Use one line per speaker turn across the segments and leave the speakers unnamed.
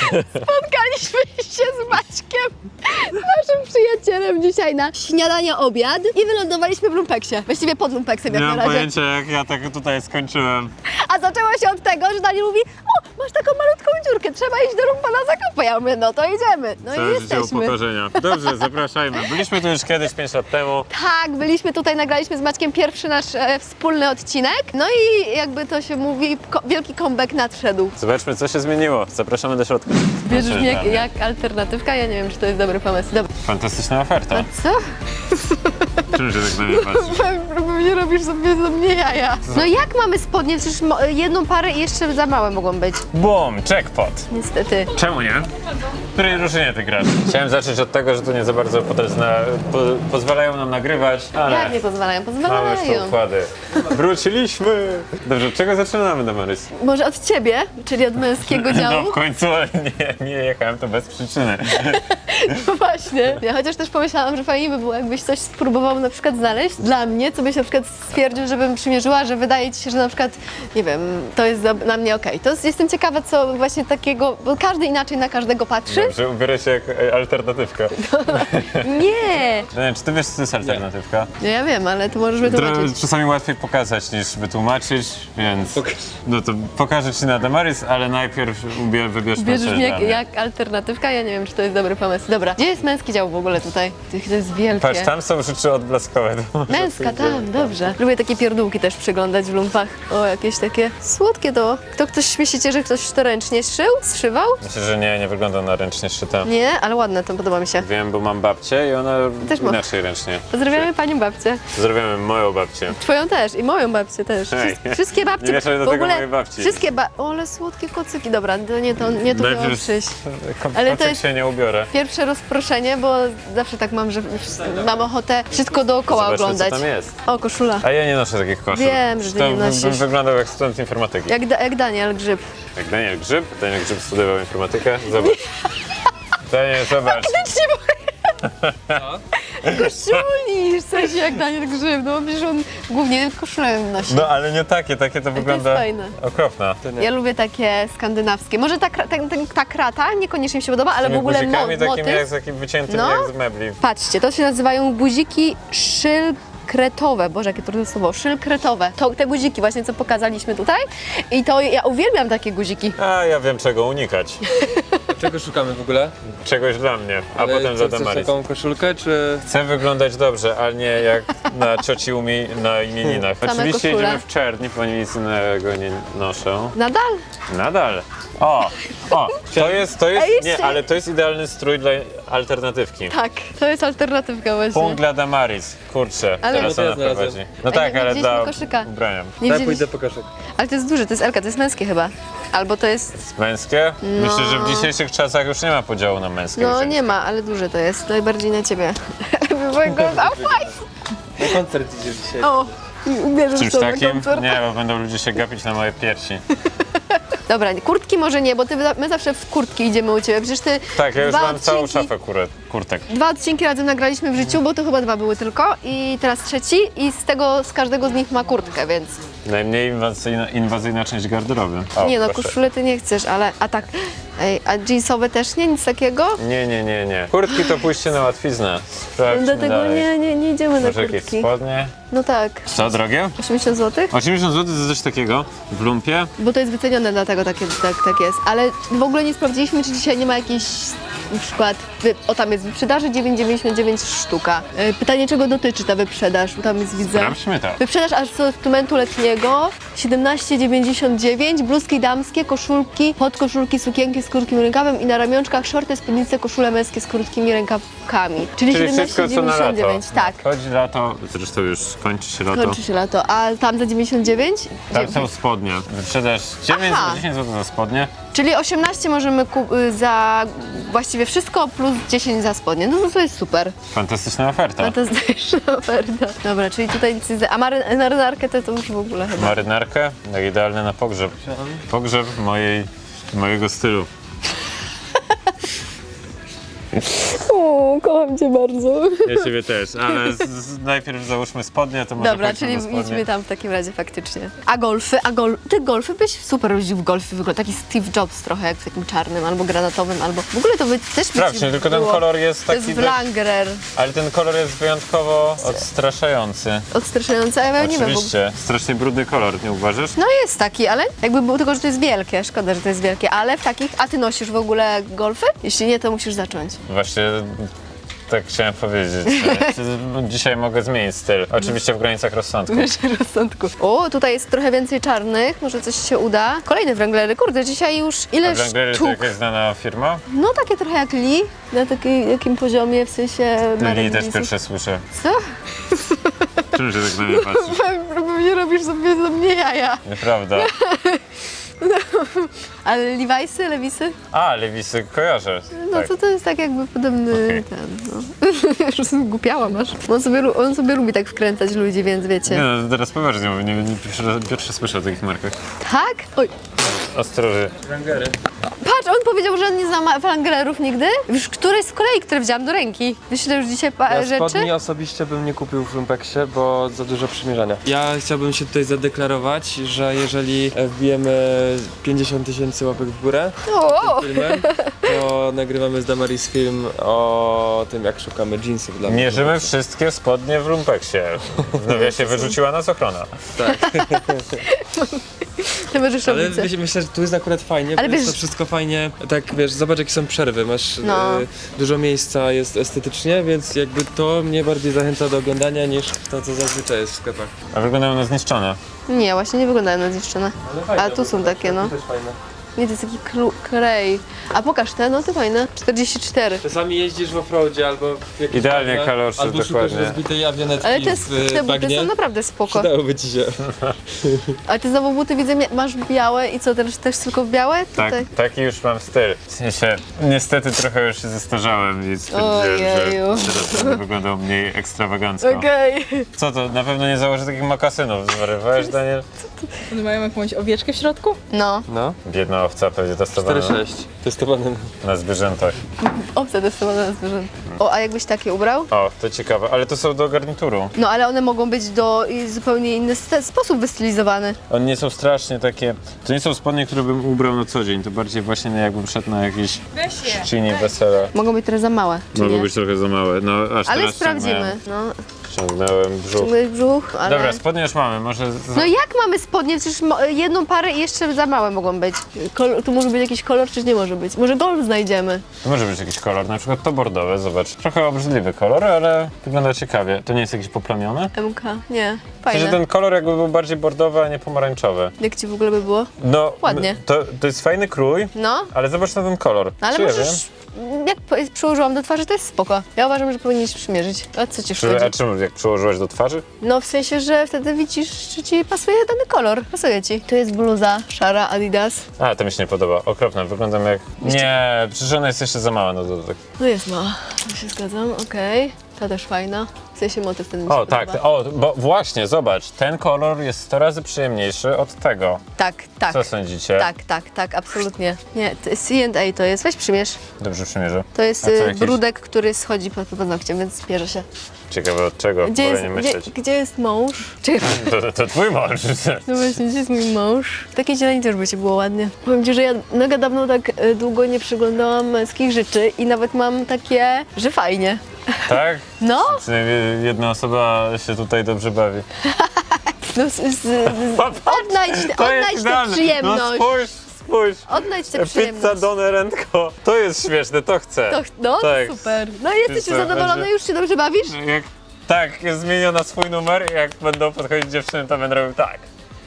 Spotkaliśmy się z Maćkiem, naszym przyjacielem, dzisiaj na śniadanie, obiad i wylądowaliśmy w lumpeksie. Właściwie pod lumpeksem jak
Nie
na
mam
razie.
pojęcia, jak ja tak tutaj skończyłem.
A zaczęło się od tego, że Daniel mówi: o, masz taką malutką dziurkę, trzeba iść do lumpa na zakupy. Ja mówię, no to idziemy. No
Całe
i
życie
jesteśmy.
upokorzenia. Dobrze, zapraszajmy. Byliśmy tu już kiedyś 5 lat temu.
Tak, byliśmy tutaj, nagraliśmy z Maćkiem pierwszy nasz wspólny odcinek. No i jakby to się mówi, wielki comeback nadszedł.
Zobaczmy, co się zmieniło. Zapraszamy do środka.
Bierzesz mnie
Zaczynamy.
jak alternatywka? Ja nie wiem, czy to jest dobry pomysł. Dobra.
Fantastyczna oferta.
Co?
Czym się tak na mnie patrzysz?
Pewnie robisz sobie ze mnie jaja. No jak mamy spodnie? Przecież jedną parę i jeszcze za małe mogą być.
Bum, jackpot.
Niestety.
Czemu nie? W której drużynie ty grasz? Chciałem zacząć od tego, że tu nie za bardzo pozwalają nam nagrywać, ale
Jak nie pozwalają?
mamy już te
Pozwalają.
układy. Wróciliśmy! Dobrze, od czego zaczynamy, Damaris?
Może od ciebie, czyli od męskiego
No
działu?
w końcu nie jechałem to bez przyczyny.
No właśnie. Ja chociaż też pomyślałam, że fajnie by było, jakbyś coś spróbował na przykład znaleźć dla mnie, co byś na przykład stwierdził, żebym przymierzyła, że wydaje ci się, że na przykład, nie wiem, to jest na mnie okej. To jestem ciekawa, co właśnie takiego, bo każdy inaczej na każdego patrzy.
Dobrze, ubiorę się jak alternatywka.
Nie!
Nie, czy ty wiesz, co to jest alternatywka?
No ja wiem, ale to możesz wytłumaczyć.
Czasami łatwiej pokazać niż wytłumaczyć, więc no to pokażę ci na Damaris, ale najpierw wybierz
Bierzesz
coś
mnie
dla mnie.
jak alternatywka? Ja nie wiem, czy to jest dobry pomysł. Dobra, gdzie jest męski dział w ogóle tutaj? To jest wielkie.
Patrz, tam są rzeczy odblaskowe. to może
Męska,
pójdziemy
tam, dobrze. Lubię takie pierdółki też przyglądać w lumpach. O, jakieś takie słodkie to. Ktoś myślicie, że ktoś to ręcznie zszywał?
Myślę, że nie wygląda na ręcznie szyte.
Nie, ale ładne to, podoba mi się.
Wiem, bo mam babcię i ona
Też ma.
inaczej ręcznie.
Pozdrawiamy panią babcię.
Pozdrawiamy moją babcię.
Twoją też i moją babcię też.
Hej.
Wszystkie babcie.
Nie mieszaj do
w
tego
ogóle
mojej babci.
Wszystkie o, ale słodkie kocyki. Dobra, to nie to miało
Najpierw
przyjść. Ale
ale
to jest-
się nie ubiorę.
Pierwsze rozproszenie, bo zawsze tak mam, że mam ochotę wszystko dookoła
Zobaczmy,
oglądać.
co tam jest.
O, koszula.
A ja nie noszę takich koszul.
Wiem, że ty
To
nie
bym
nosisz.
wyglądał jak student informatyki.
Jak Daniel Grzyb.
Jak Daniel Grzyb. Daniel Grzyb studiował informatykę. Zobacz. Daniel, zobacz.
Koszuli, w sensie jak Daniel Grzyb, no przecież on głównie koszulę nosi.
No ale nie takie to wygląda
fajne.
okropne.
Ja lubię takie skandynawskie. Może ta krata niekoniecznie mi się podoba, ale w ogóle
guzikami takimi
motyw.
jak z takim wyciętym
No.
jak z mebli.
Patrzcie, to się nazywają guziki szylkretowe. Boże, jakie trudne słowo. Szylkretowe. To te guziki właśnie, co pokazaliśmy tutaj. I to ja uwielbiam takie guziki.
A ja wiem czego unikać.
Czego szukamy w ogóle?
Czegoś dla mnie, a potem dla
chcesz
Damaris.
taką koszulkę, czy...
Chcę wyglądać dobrze, ale nie jak na cioci na imieninach.
Same
Oczywiście
koszule.
idziemy w czerni, bo nic innego nie noszę.
Nadal?
Nadal. O, to jest,
A jeszcze-
nie, ale to jest idealny strój dla alternatywki.
Tak, to jest alternatywka właśnie.
Punkt dla Damaris, kurczę,
Ale-
teraz
No to
ona
ja znalazłem.
prowadzi. No
Ej,
tak,
nie
ale
widzieliśmy
dla
koszyka.
ubrania.
Nie
Daj
wzięliś-
pójdę po koszyk.
Ale to jest duże, to jest Elka, to jest męskie chyba. Albo to jest...
Męskie? Myślę, że w
No.
dzisiejszych czasach już nie ma podziału na męskie.
No
i
nie ma, ale duże to jest. Najbardziej na ciebie.
Na koncert idziesz dzisiaj.
O, ubierzesz
Czymś
to na
takim?
koncert.
Nie, bo będą ludzie się gapić na moje piersi.
Dobra, kurtki może nie, bo my zawsze w kurtki idziemy u ciebie. Przecież ty
Tak, ja już
dwa
mam całą
odcinki-
szafę kurtek.
2 odcinki razem nagraliśmy w życiu, bo to chyba 2 były tylko i teraz trzeci i z każdego z nich ma kurtkę, więc...
Najmniej inwazyjna część garderoby. O,
Nie no,
proszę.
koszulę ty nie chcesz, ale... A tak... Ej, a jeansowe też nie? Nic takiego?
Nie. Kurtki to pójście na łatwiznę. Sprawdźmy
Dlatego
dalej.
nie idziemy na
Może jakieś
kurtki.
spodnie?
No tak.
Co, drogie?
80 zł?
80 zł to coś takiego w lumpie.
Bo to jest wycenione, dlatego tak jest. Ale w ogóle nie sprawdziliśmy, czy dzisiaj nie ma jakiejś na przykład, o tam jest wyprzedaży 9,99 sztuka. Pytanie, czego dotyczy ta wyprzedaż? Tam jest, widzę.
Sprawdźmy to.
Wyprzedaż asortymentu letniego 17,99, bluzki damskie, koszulki, podkoszulki, sukienki z krótkim rękawem i na ramionczkach shorty, spódnice, koszule męskie z krótkimi rękawkami. Czyli
Czyli wszystko co na lato.
17,99, tak.
Chodzi lato, zresztą już kończy się lato.
Kończy się lato. A tam za 99?
Tam są spodnie. Wyprzedaż 9
Aha.
10 zł za spodnie.
Czyli 18 możemy za właściwie wszystko plus 10 za spodnie. No to jest super.
Fantastyczna oferta.
No to jest też oferta. Dobra, czyli tutaj nic nie... A marynarkę to już w ogóle chyba.
Marynarkę, jak idealne na pogrzeb. Pogrzeb mojego stylu.
O, kocham cię bardzo.
Ja ciebie też, ale najpierw załóżmy spodnie, to może
Dobra,
pójdźmy
czyli
do spodni.
idźmy tam w takim razie faktycznie. A golfy? Ty golfy byś super jeździł w golfy, wygląda taki Steve Jobs trochę, jak w takim czarnym, albo granatowym, albo w ogóle to by też by
Sprawdźmy,
ci
tylko ten
było.
kolor jest
To jest
taki...
Wrangler.
Ale ten kolor jest wyjątkowo odstraszający.
Odstraszające, a ja nie wiem.
Oczywiście, strasznie brudny kolor, nie uważasz?
No jest taki, ale jakby było tylko, że to jest wielkie, szkoda, że to jest wielkie, ale w takich, a ty nosisz w ogóle golfy? Jeśli nie, to musisz zacząć.
Właśnie tak chciałem powiedzieć. Dzisiaj mogę zmienić styl. Oczywiście w granicach rozsądku.
Wiesz, rozsądku. O, tutaj jest trochę więcej czarnych, może coś się uda. Kolejne Wranglery, kurde, dzisiaj już
A
ile
Wranglery to
sztuk?
jakaś znana firma?
No takie trochę jak Lee, na takim poziomie, w sensie marek
Lee też
jeansów.
pierwsze słyszę.
Co?
Czym się tak na mnie patrzysz?
Pewnie robisz sobie ze mnie jaja.
Nieprawda.
Ale Levi'sy?
A, Lewisy kojarzę.
No
Tak.
to jest tak jakby podobny
Okej.
ten, no. Już zgłupiała masz. On sobie lubi tak wkręcać ludzi, więc
Nie
wiecie.
no, teraz poważnie, bo nie pierwszy słyszę o takich markach.
Tak? Oj,
Ostroży.
Wrangery.
patrz, on powiedział, że on nie zna Wranglerów nigdy. Już któreś z kolei, które wziąłam do ręki. Myślę już dzisiaj
Ja
rzeczy.
spodni osobiście bym nie kupił w Lumpeksie, bo za dużo przymierzania. Ja chciałbym się tutaj zadeklarować, że jeżeli wbijemy 50 000 łapek w górę
O,
filmem, to nagrywamy z Damaris film o tym, jak szukamy jeansów dla mnie.
Mierzymy wszystkie spodnie w lumpeksie. W nawiasie wyrzuciła nas ochrona.
to możesz
Ale
robić.
myślę, że tu jest akurat fajnie,
Ale
bo jest
wiesz-
to wszystko fajnie, tak wiesz, zobacz jakie są przerwy, masz
No.
dużo miejsca, jest estetycznie, więc jakby to mnie bardziej zachęca do oglądania niż to, co zazwyczaj jest w sklepach.
A wyglądają na zniszczone.
Nie, właśnie nie wyglądają na zniszczone.
Ale fajne,
A tu są takie, no.
To też fajne.
Nie, to jest taki krej. A pokaż te, no to fajne. 44.
Czasami jeździsz w offroadzie albo w jakimś
Idealnie
bagnie,
kalorze,
albo szukasz
dokładnie.
rozbitej awionetki
Ale te
w
buty
bagnie.
są naprawdę spoko.
Przydałoby ci się.
Ale ty znowu buty widzę, masz białe i co, też tylko w białe?
Tak,
Tutaj.
taki już mam styl. W sensie, niestety trochę już się zestarzałem, więc stwierdziłem,
Ojeju.
że teraz będę wyglądał mniej ekstrawagancko.
Okej.
Co to, na pewno nie założę takich mokasynów, zwariowałeś, Daniel?
One mają jakąś owieczkę w środku?
No,
No,
Biedna owca pewnie testowana
4,6. Testowane.
na zwierzętach.
owce testowane na zwierzęta. O, a jakbyś takie ubrał?
O, to ciekawe, ale to są do garnituru.
No, ale one mogą być zupełnie inny sposób wystylizowane.
One nie są strasznie takie, to nie są spodnie, które bym ubrał na co dzień, to bardziej właśnie jakbym szedł na jakiś
Weź je.
chrzciny, wesele.
Mogą być trochę za małe, czy
Mogą
nie?
być trochę za małe, no aż
Ale
teraz
sprawdzimy. No,
Ciągnąłem brzuch.
ciągnąłeś brzuch, ale...
Dobra, spodnie już mamy, może...
No jak mamy spodnie? Przecież jedną parę i jeszcze za małe mogą być. Tu może być jakiś kolor, czy nie może być? Może golf znajdziemy.
To może być jakiś kolor, na przykład to bordowe, zobacz. Trochę obrzydliwy kolor, ale wygląda ciekawie. To nie jest jakiś poplamiony?
MK, nie.
W
Fajne.
sensie ten kolor jakby był bardziej bordowy, a nie pomarańczowy.
Jak ci w ogóle by było?
No,
Ładnie.
To jest fajny krój,
No,
ale zobacz na ten kolor.
no ale
Czy ja
możesz... Jak przyłożyłam do twarzy, to jest spoko. Ja uważam, że powinieneś przymierzyć. A co ci szkodzi?
A czym, jak przyłożyłaś do twarzy?
No w sensie, że wtedy widzisz, czy ci pasuje dany kolor. Pasuje ci. Tu jest bluza szara Adidas.
A, to mi się nie podoba. Okropne, wyglądam jak... Nie, przecież ona jest jeszcze za mała na dodatek.
No jest mała. To się zgadzam, okej. Ta też fajna. W sensie motyw ten mi się
O, tak,
podoba.
o, bo właśnie, zobacz, ten kolor jest 100 razy przyjemniejszy od tego.
Tak, tak.
Co sądzicie?
Tak, absolutnie. Nie, C&A to jest. Weź przymierz.
Dobrze przymierzę.
To jest
A co, jakiś-
brudek, który schodzi pod paznokciem, więc bierze się.
Ciekawe od czego,
Gdzie
wolę
jest,
nie myśleć.
gdzie jest mąż? Czekaj,
To twój mąż.
no właśnie, gdzie jest mój mąż? W takiej zieleni też by ci było ładnie. Powiem ci, że ja mega dawno tak długo nie przyglądałam męskich rzeczy i nawet mam takie, że fajnie.
Tak?
No,
Przynajmniej jedna osoba się tutaj dobrze bawi.
no odnajdź tę przyjemność.
No spójrz.
Odnajdź tę
Pizza
przyjemność.
Donne Rentko. To jest śmieszne, to chcę.
No,
tak.
super. No jesteś
co,
już zadowolony,
będzie-
już się dobrze bawisz?
Jak, tak, jest zmieniona na swój numer i jak będą podchodzić dziewczyny, to będę robił tak.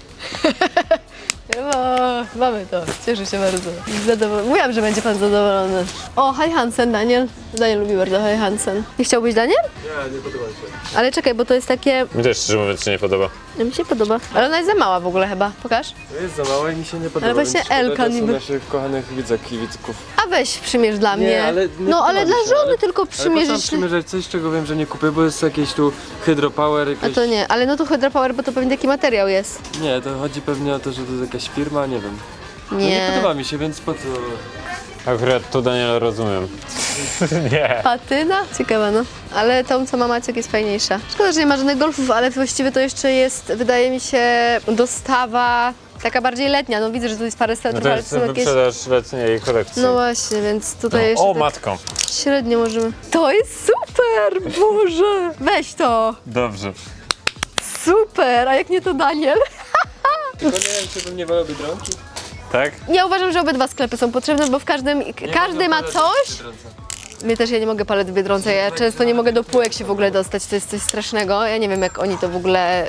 O, mamy to. Cieszę się bardzo. Mówiłam, że będzie pan zadowolony. O, Hi Hansen, Daniel. Daniel lubi bardzo Hi Hansen. Nie chciałbyś, Daniel?
Nie, nie podoba mi się.
Ale czekaj, bo to jest takie...
Mi też szczerze mówiąc się nie podoba.
Mi się podoba. Ale ona jest za mała w ogóle chyba. Pokaż.
To jest za małe i mi się nie podoba,
Ale właśnie
więc szkoda
Elka
czasu
niby.
naszych kochanych widzek i widzków.
A weź przymierz dla mnie.
ale nie
no ale
podoba
dla
mi się,
żony
ale-
tylko
Ale po co
przymierzyć.
przymierzać coś, czego wiem, że nie kupię, bo jest jakieś tu hydropower,
A
jakieś...
to nie, ale no to Hydra Power, bo to pewnie taki materiał jest.
Nie, to chodzi pewnie o to, że to jest jakaś firma, nie wiem. No
Nie.
nie podoba mi się, więc po co...
Akurat tu Daniela rozumiem. Nie.
Patyna? Ciekawa, no. Ale tą, co ma Maciek, jest fajniejsza. Szkoda, że nie ma żadnych golfów, ale właściwie to jeszcze jest, wydaje mi się, dostawa taka bardziej letnia. No widzę, że tu jest parę
No
swetrów,
to
ale
jest
to są jakieś...
wyprzedaż letniej kolekcji.
No właśnie, więc tutaj jeszcze
O,
tak
matką.
średnio możemy... To jest super! Boże! Weź to!
Dobrze.
Super! A jak nie to Daniel?
Tylko nie wiem, czy bym nie wolał Biedronki.
Tak?
Ja uważam, że obydwa sklepy są potrzebne, bo w każdym... Każdy ma coś. Mnie też, ja nie mogę palet w Biedronce, ja często nie mogę do półek się w ogóle dostać, to jest coś strasznego. Ja nie wiem, jak oni to w ogóle...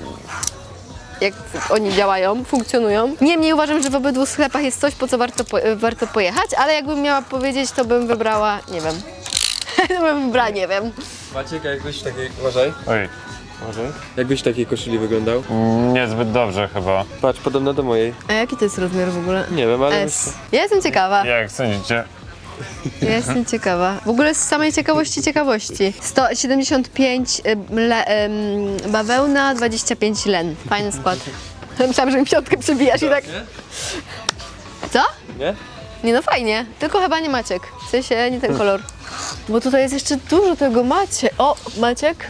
jak oni działają, funkcjonują. Niemniej uważam, że w obydwu sklepach jest coś, po co warto pojechać, ale jakbym miała powiedzieć, to bym wybrała, nie wiem. To bym wybrała, nie wiem.
Maciek, jakbyś w takiej... Uważaj.
Oj. Może?
Jakbyś w takiej koszuli wyglądał?
Niezbyt dobrze chyba.
Patrz, podobna do mojej.
A jaki to jest rozmiar w ogóle?
Nie wiem, ale...
S. Ja jestem ciekawa.
Jak sądzicie?
Ja jestem ciekawa. W ogóle z samej ciekawości. 175 bawełna, 25 len. Fajny skład. Myślałam, że mi piątkę przebijasz i tak...
Nie?
Co?
Nie?
Nie no fajnie, tylko chyba nie Maciek. W sensie nie ten kolor. Bo tutaj jest jeszcze dużo tego O, Maciek.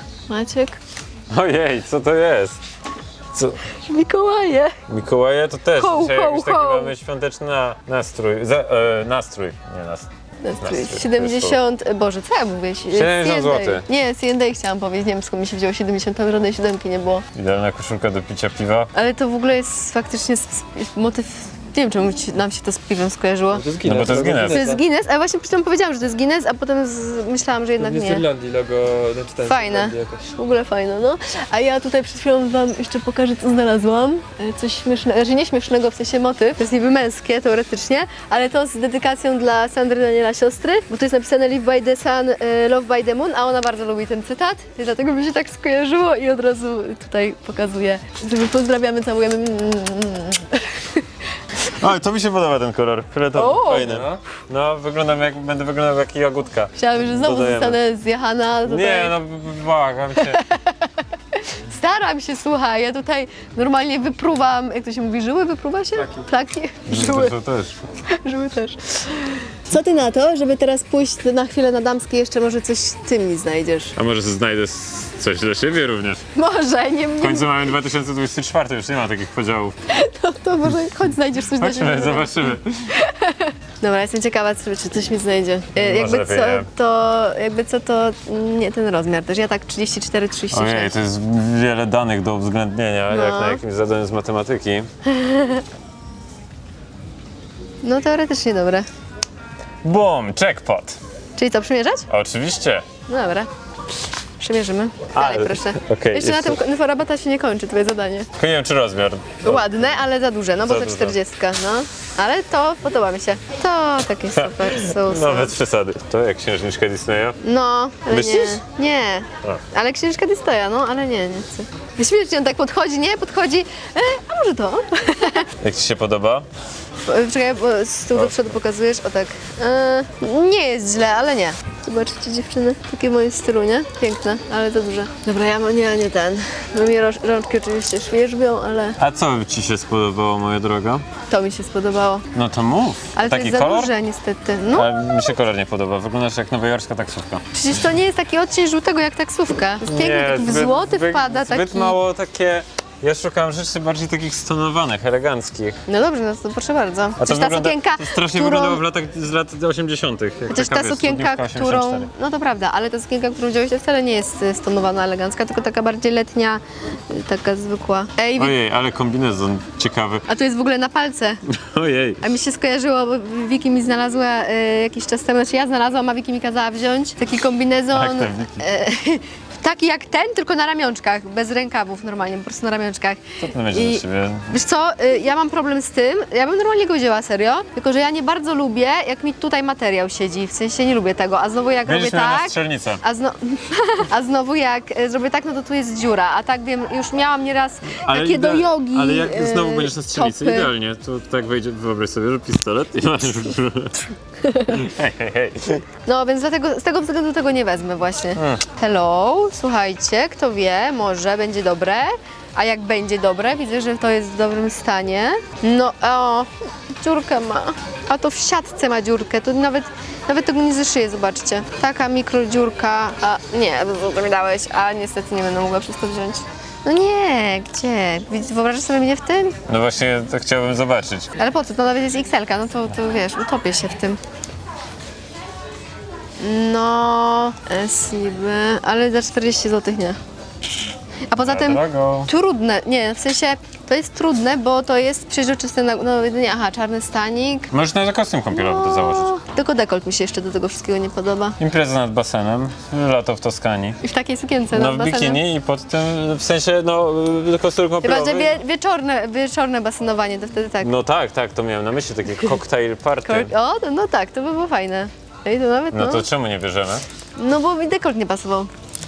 Ojej, co to jest? Co?
Mikołaje.
Mikołaje to też.
Ho,
Dzisiaj
ho,
jakiś taki
ho.
mamy świąteczny nastrój. Nastrój, nie nastrój.
Nastrój.
Nastrój,
70, Boże, co ja mówię?
70 zł.
Nie, C&A chciałam powiedzieć, nie wiem skąd mi się wzięło 70, tam żadnej siódemki nie było.
Idealna koszulka do picia piwa.
Ale to w ogóle jest faktycznie motyw, nie wiem czemu nam się to z piwem skojarzyło.
To jest
No bo
Guinness.
to jest Guinness.
To jest Guinness, ale właśnie przy tym powiedziałam, że to jest Guinness, a potem myślałam, że jednak
Nie z
nie.
Irlandii logo, znaczy ten z
Fajne.
Irlandii jakoś.
W ogóle fajne, no. A ja tutaj przed chwilą wam jeszcze pokażę, co znalazłam. Coś śmiesznego, znaczy nie śmiesznego, w sensie motyw. To jest niby męskie teoretycznie, ale to z dedykacją dla Sandry Daniela siostry, bo tu jest napisane Live by the sun, love by the moon, a ona bardzo lubi ten cytat. I dlatego mi się tak skojarzyło i od razu tutaj pokazuję, żeby pozdrawiamy, całujemy.
O, to mi się podoba ten kolor. Fioletowy,
O!
fajny. No, będę wyglądał jak jagódka.
Chciałabym, że znowu
Dodajemy.
zostanę zjechana tutaj.
Nie, no błagam cię.
Staram się, słuchaj, ja tutaj normalnie wypruwam, jak to się mówi, żyły wypruwa się? Plaki. Żyły.
To też.
Żyły też. Co ty na to, żeby teraz pójść na chwilę na damskie, jeszcze może coś ty mi znajdziesz?
A może znajdę coś dla siebie również?
Może, nie
W końcu mamy 2024, już nie ma takich podziałów.
to może chodź znajdziesz coś dla siebie.
Chodźmy, zobaczymy.
Dobra, jestem ciekawa, czy coś mi znajdzie.
lepiej nie.
Jakby co to nie ten rozmiar też. Ja tak 34, 36.
Ojej, to jest wiele danych do uwzględnienia,
No.
jak na jakimś zadaniu z matematyki.
No teoretycznie dobre.
Boom, jackpot.
Czyli co, przymierzać?
Oczywiście.
No dobra. Przymierzymy. Dalej,
Ale-
proszę.
okej,
Jeszcze na
jeszcze-
tym inforabata się nie kończy, twoje zadanie.
Tylko nie wiem, czy rozmiar.
Ładne, ale za duże, no bo
Za
to
duże.
40, no. Ale to podoba mi się. To takie super są.
No, bez przesady. To jak księżniczka Disneya.
No, ale
Myślisz?
nie. Nie. Ale księżka Dystoja, no, ale nie chcę. Śmiesznie on tak podchodzi, nie? Podchodzi, a może to?
Jak ci się podoba?
Czekaj, bo z tyłu do przodu pokazujesz, o tak. Nie jest źle, ale nie. Zobaczcie dziewczyny, takie w moim stylu, nie? Piękne, ale za duże. Dobra, ja nie ten. No mi rączki oczywiście świerzbią, ale
A co ci się spodobało, moja droga?
to mi się spodobało.
No to mów.
Ale
Taki
to jest za
kolor?
duże niestety. No,
Ale mi się kolor nie podoba. Wyglądasz jak nowojorska taksówka.
przecież to nie jest taki odcień żółtego jak taksówka. To jest piękny, taki w złoty wpada,
zbyt
taki...
mało takie... Ja szukam rzeczy bardziej takich stonowanych, eleganckich.
No dobrze, no to proszę bardzo.
A to
Chociaż ta
wygląda,
sukienka,
to strasznie
którą...
wyglądało w latach, z lat 80. Jak
Chociaż
taka,
ta
wiesz,
sukienka,
studniówka
którą...
84.
No to prawda, ale ta sukienka, którą wziąłeś, to wcale nie jest stonowana, elegancka, tylko taka bardziej letnia, taka zwykła. Ej,
Ojej, ale kombinezon ciekawy.
a tu jest w ogóle na palce.
Ojej.
A mi się skojarzyło, bo Wiki mi znalazła jakiś czas temu, znaczy ja znalazłam, a Wiki mi kazała wziąć taki kombinezon.
Tak, ten Wiki.
Taki jak ten, tylko na ramionczkach, bez rękawów normalnie, po prostu na ramionczkach.
Co to będzie dla ciebie?
Wiesz co, ja mam problem z tym, ja bym normalnie go wzięła serio, tylko że ja nie bardzo lubię, jak mi tutaj materiał siedzi, w sensie nie lubię tego, a znowu jak
Będziesz
robię
miała na
tak,
strzelnicę.
a znowu jak zrobię tak, no to tu jest dziura, a tak wiem, już miałam nieraz takie do jogi
Ale jak znowu będziesz na strzelnicy,
topy.
idealnie. To tak wejdzie, wyobraź sobie, że pistolet i masz... Hej, hej, hej.
No więc dlatego, z tego względu tego nie wezmę właśnie. Hello, słuchajcie, kto wie, może będzie dobre. A jak będzie dobre, widzę, że to jest w dobrym stanie. No, o, dziurkę ma. A to w siatce ma dziurkę, to nawet tego nie zeszyję, zobaczcie. Taka mikrodziurka. A nie, to mi dałeś, a niestety nie będę mogła przez to wziąć. No nie, gdzie? Wyobrażasz sobie mnie w tym?
No właśnie, to chciałbym zobaczyć.
Ale po co? To nawet jest XL-ka, no to wiesz, utopię się w tym. No, SIB, ale za 40 zł nie. A poza tym
Drogo.
trudne, nie, w sensie to jest trudne, bo to jest przeźroczysty, no jedynie, aha, czarny stanik.
Możesz nawet kostium kąpielowy to założyć.
Tylko dekolt mi się jeszcze do tego wszystkiego nie podoba.
Impreza nad basenem, lato w Toskanii.
I w takiej sukience
No
nad
w
basenem.
bikini i pod tym, w sensie, no, kostium
Chyba, że
kąpielowy.
wieczorne basenowanie, to wtedy tak.
No tak, to miałem na myśli, takie cocktail party.
O, no tak, to by było fajne. Ej, to nawet,
No to czemu nie bierzemy?
No bo mi dekolt nie pasował.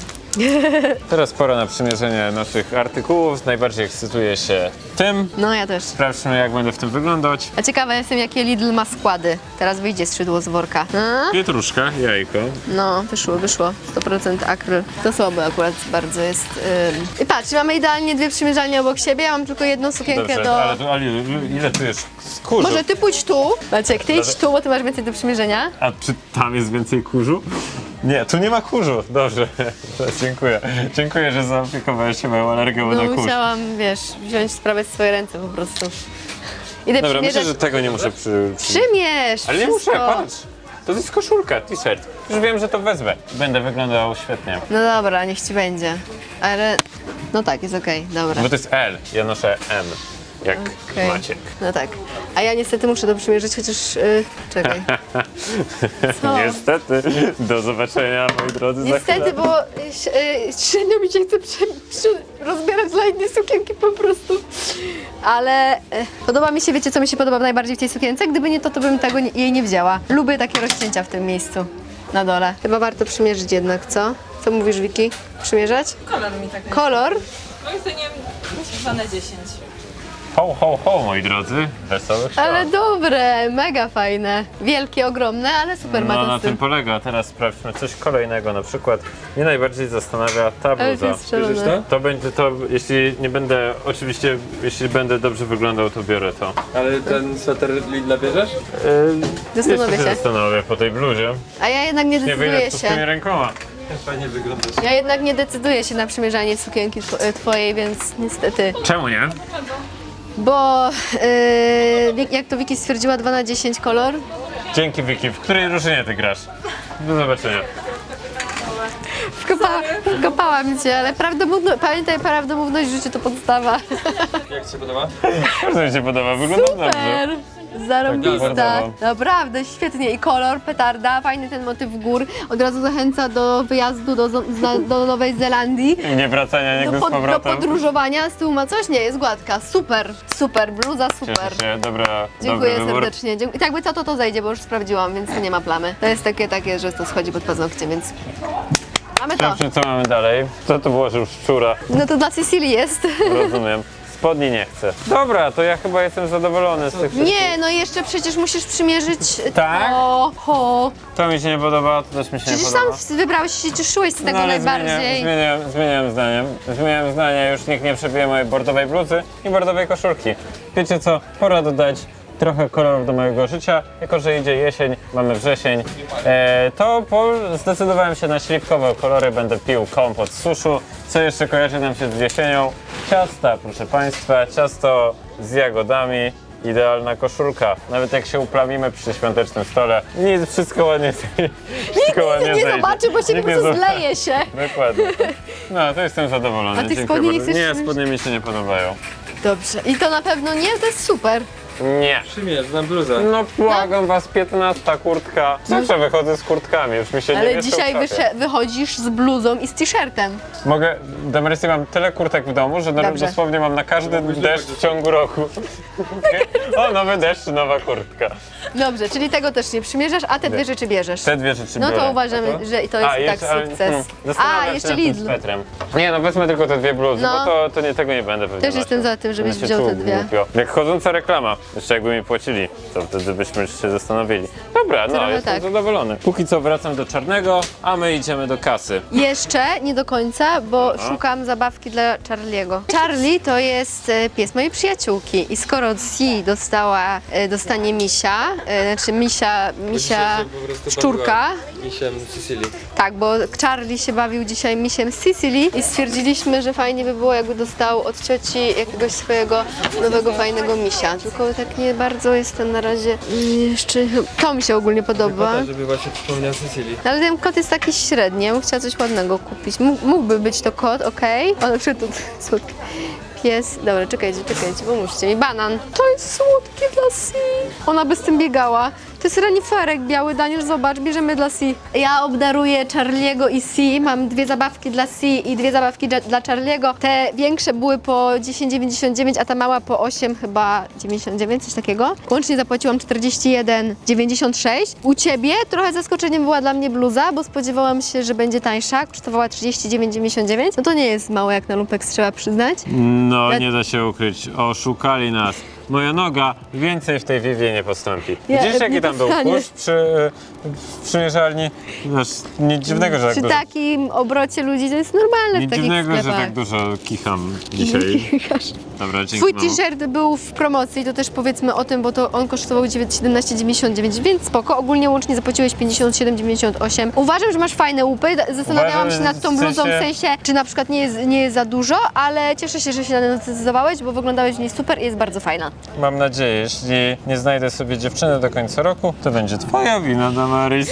Teraz pora na przymierzenie naszych artykułów. Najbardziej ekscytuję się tym.
No ja też.
Sprawdźmy, jak będę w tym wyglądać.
A ciekawa jestem, jakie Lidl ma składy. Teraz wyjdzie skrzydło z worka. A?
Pietruszka, jajko.
No, wyszło. 100% akryl. To słabe akurat bardzo jest. I patrz, mamy idealnie dwie przymierzalnie obok siebie, ja mam tylko jedną sukienkę
Dobrze,
do...
ale ile tu jest skórzu?
Może ty pójdź tu, Maciek, ty idź tu, bo ty masz więcej do przymierzenia.
A czy tam jest więcej kurzu? Nie, tu nie ma kurzu. Dobrze, dziękuję. Dziękuję, że zaopiekowałeś się moją alergią
No
na kurz.
musiałam, wiesz, wziąć sprawę w swoje ręce po prostu. Idę
Dobra,
przymierzać.
myślę, że tego nie muszę
Przymierz!
Ale nie
wszystko.
muszę, patrz. To jest koszulka, t-shirt. Już wiem, że to wezmę. Będę wyglądał świetnie.
No dobra, niech ci będzie. Ale, no tak, jest okej, dobra.
Bo to jest L, ja noszę M. Jak
Okej.
Maciek.
No tak. A ja niestety muszę to przymierzyć, chociaż... czekaj. Co?
Niestety. Do zobaczenia, moi drodzy, za
Niestety,
chwilę.
bo średnio mi się chce rozbierać dla innej sukienki po prostu. Ale podoba mi się, wiecie co mi się podoba najbardziej w tej sukience? Gdyby nie to, to bym tego jej nie wzięła. Lubię takie rozcięcia w tym miejscu, na dole. Chyba warto przymierzyć jednak, co? Co mówisz, Wiki? Przymierzać?
Kolor mi tak.
Kolor?
Moim zdaniem myślę, 10.
Ho, ho, ho, moi drodzy. Wesołych świąt.
Ale dobre, mega fajne. Wielkie, ogromne, ale super
No na
matosy.
tym polega. Teraz sprawdźmy coś kolejnego. Na przykład mnie najbardziej zastanawia ta
Ale to
bluza.
jest szalone.
Bierzesz to?
To będzie to, jeśli nie będę, oczywiście, jeśli będę dobrze wyglądał, to biorę to.
Ale ten sweter Lidla bierzesz?
Zastanowię
Jeszcze
się.
zastanowię po tej bluzie.
A ja jednak nie
Nie wyjdę
decyduję
tu z tymi
się.
rękoma.
Fajnie wyglądasz.
Ja jednak nie decyduję się na przymierzanie sukienki twojej, więc niestety.
Czemu nie?
Bo jak to Wiki stwierdziła, 2 na 10 kolor.
Dzięki, Wiki. W której drużynie ty grasz? Do zobaczenia.
Wkopałam cię, ale pamiętaj, prawdomówność w życiu to podstawa.
Jak ci się podoba?
Bardzo mi się podoba. Wygląda dobrze.
Super! Zarąbista.
bardzo.
Naprawdę, świetnie. I kolor, petarda, fajny ten motyw gór. Od razu zachęca do wyjazdu do Nowej Zelandii.
I nie wracania nigdy z
Do
powrotem.
podróżowania. Z tyłu ma coś? Nie, jest gładka. Super, bluza super.
Cieszę się. Dobra,
Dziękuję
dobry wybór.
serdecznie. I tak by co to zejdzie, bo już sprawdziłam, więc to nie ma plamy. To jest takie, że to schodzi pod paznokciem, więc mamy to.
Sprawdźmy, co mamy dalej. Co to było, że już szczura?
No to dla Cecilii jest.
Rozumiem. Spodni nie chcę. Dobra, to ja chyba jestem zadowolony z tych wszystkich.
Nie, no jeszcze przecież musisz przymierzyć
Tak?
to.
To mi się nie podoba, to też mi się
Przecież
nie podoba.
sam wybrałeś się, cieszyłeś z tego
No, ale
najbardziej.
Zmieniałem zdanie, już nikt nie przebije mojej bordowej bluzy i bordowej koszulki. Wiecie co, pora dodać trochę kolorów do mojego życia. Jako że idzie jesień, mamy wrzesień, zdecydowałem się na śliwkowe kolory. Będę pił kompot z suszu. Co jeszcze kojarzy nam się z jesienią? Ciasta, proszę Państwa, ciasto z jagodami. Idealna koszulka. Nawet jak się uplamimy przy świątecznym stole, wszystko ładnie
Nikt nie zobaczy, bo się po prostu zleje się.
Dokładnie. No, to jestem zadowolony.
A tych
Dziękuję
spodni nie
bardzo.
chcesz
Nie,
przymierzyć?
spodnie mi się nie podobają.
Dobrze. I to na pewno nie, to jest super.
Nie.
Przymierz na bluzę.
No błagam was, 15 kurtka. Zawsze wychodzę z kurtkami, już mi się nie
Ale
wieszczą
dzisiaj
w szafie.
wychodzisz z bluzą i z t-shirtem.
Mogę, Damaris, mam tyle kurtek w domu, że
Dobrze.
dosłownie mam na każdy deszcz w ciągu roku. O, nowy deszcz, nowa kurtka.
Dobrze, czyli tego też nie przymierzasz, a te dwie rzeczy bierzesz.
Te dwie rzeczy
No
biorę.
to uważamy, że to jest i tak sukces.
Zastanawiam
A,
się
jeszcze
nad tym
Lidl.
swetrem. Nie, no wezmę tylko te dwie bluzy,
No.
bo tego nie będę pewnie
Też jestem
nosił.
za tym, żebyś
Będę się
wziął
czuł
te dwie.
głupio. Jak chodząca reklama. Jeszcze jakby mi płacili, to wtedy byśmy się zastanowili. Dobra, no
Trochę
jestem
tak.
zadowolony. Póki co wracam do czarnego, a my idziemy do kasy.
Jeszcze nie do końca, bo szukam zabawki dla Charlie'ego. Charlie to jest pies mojej przyjaciółki i skoro C dostanie misia, znaczy misia szczurka,
Misiem Sicilii.
tak, bo Charlie się bawił dzisiaj misiem z Sicily i stwierdziliśmy, że fajnie by było, jakby dostał od cioci jakiegoś swojego nowego, fajnego misia. Tylko tak nie bardzo jestem na razie jeszcze... To mi się ogólnie podoba.
Kota, żeby właśnie przypomniał Sicilii.
Ale ten kot jest taki średni, ja bym chciała coś ładnego kupić. Mógłby być to kot, okej. O, na przykład tu słodki pies. Dobra, czekajcie, pomóżcie mi. Banan. To jest słodkie dla Si. Ona by z tym biegała. To jest reniferek biały, Daniel, zobacz, bierzemy dla Si. Ja obdaruję Charlie'ego i Si. Mam 2 zabawki dla Si i 2 zabawki dla Charlie'ego. Te większe były po 10,99, a ta mała po 8 chyba 99, coś takiego. Łącznie zapłaciłam 41,96. U Ciebie trochę zaskoczeniem była dla mnie bluza, bo spodziewałam się, że będzie tańsza. Kosztowała 39,99. No to nie jest mało jak na Lumpex, trzeba przyznać.
No,
Ja-
nie da się ukryć, oszukali nas. Moja noga więcej w tej Vivie nie postąpi.
Ja-
Widzisz, jaki
nie
tam był
dostanie.
kurz w przymierzalni? Aż nic dziwnego, że tak
Przy
dużo.
takim obrocie ludzi to jest normalne
Nic
w takich
dziwnego, że
sklepach.
tak dużo kicham dzisiaj. Dobra, dzięki
Twój
mamo.
t-shirt był w promocji, to też powiedzmy o tym, bo to on kosztował 17,99, więc spoko. Ogólnie łącznie zapłaciłeś 57,98. Uważam, że masz fajne łupy. Zastanawiałam
Uważam,
się nad tą
w
bluzą, w
sensie-
sensie, czy na przykład nie jest za dużo, ale cieszę się, że się na nią zdecydowałeś, bo wyglądałeś w niej super i jest bardzo fajna.
Mam nadzieję, jeśli nie znajdę sobie dziewczyny do końca roku, to będzie twoja wina, Damaris.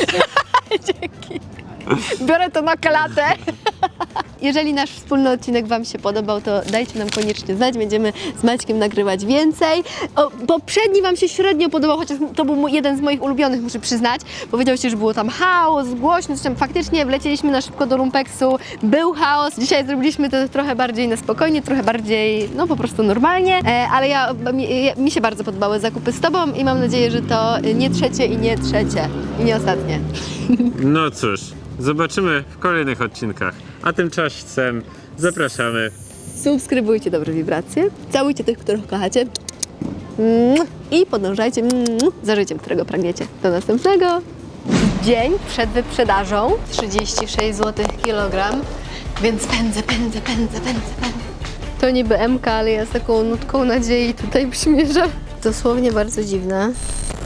Biorę to na klatę. Jeżeli nasz wspólny odcinek Wam się podobał, to dajcie nam koniecznie znać. Będziemy z Maćkiem nagrywać więcej. Poprzedni Wam się średnio podobał, chociaż to był jeden z moich ulubionych, muszę przyznać. Powiedziałście, że było tam chaos, głośno, coś tam. Faktycznie wlecieliśmy na szybko do Lumpeksu, był chaos. Dzisiaj zrobiliśmy to trochę bardziej na spokojnie, trochę bardziej, no po prostu normalnie. Ale mi się bardzo podobały zakupy z Tobą i mam nadzieję, że to nie trzecie i nie ostatnie.
No cóż, zobaczymy w kolejnych odcinkach. A tymczasem zapraszamy.
Subskrybujcie Dobre Wibracje, całujcie tych, których kochacie i podążajcie za życiem, którego pragniecie. Do następnego. Dzień przed wyprzedażą, 36 zł kilogram, więc pędzę. To niby MK, ale ja z taką nutką nadziei tutaj przymierzam. Dosłownie bardzo dziwne.